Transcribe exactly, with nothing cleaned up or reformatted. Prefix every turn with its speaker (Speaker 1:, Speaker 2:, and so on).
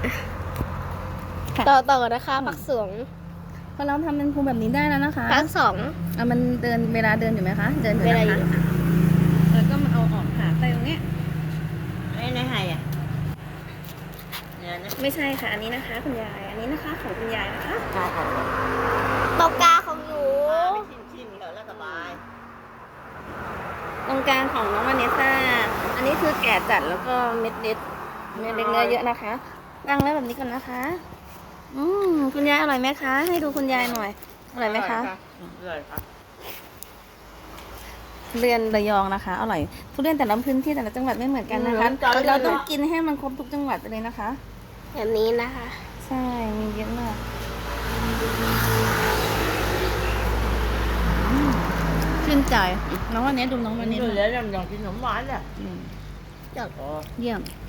Speaker 1: ต่อต่อนะคะพักสอง
Speaker 2: พอเราทำเป็นภูแบบนี้ได้แล้วนะคะ
Speaker 1: พักสอง
Speaker 2: อ่ะมันเดินเวลาเดินอยู่ไหมคะ เดินอยู่
Speaker 1: เวลา
Speaker 2: นะ
Speaker 1: อยู่
Speaker 2: คะแล้วก็มาเอาออกค่ะใส่ตรงเนี้ย
Speaker 3: ไม่ได้ให้อ่ะเนี่ยนะ
Speaker 2: ไม่ใช่ค่ะ อันนี้นะคะคุณยาย อันนี้นะคะของคุณยายนะคะ
Speaker 3: ใช่ค่ะ
Speaker 1: ตรงกลางของหนู
Speaker 3: ชิมชิมๆแล้วสบาย
Speaker 2: ตรงกลางของน้องวาเนสซ่า อันนี้คือแก่จัดแล้วก็เม็ดเล็กเม็ดเล็กเนื้อเยอะนะคะตั้งไว้แบบนี้ก่อนนะคะ อืมคุณยายอร่อยไหมคะ ให้ดูคุณยายหน่อย อร่อยไหมคะ
Speaker 3: อร่อยค่ะ
Speaker 2: ทุเรียนระยองนะคะ อร่อย ทุเรียนแต่ละพื้นที่แต่ละจังหวัดไม่เหมือนกันนะคะ เราต้องกินให้มันครบทุกจังหวัดไปเลยนะคะ
Speaker 1: แบบนี้นะคะ
Speaker 2: ใช่ มีเยอะมากชื่นใจ น้องวันนี้ดูน้องวันนี้
Speaker 3: อยู่แล้วยังกินขนมหวานเลย
Speaker 2: อืม
Speaker 1: จัด
Speaker 3: โอ้
Speaker 2: เยี่ยม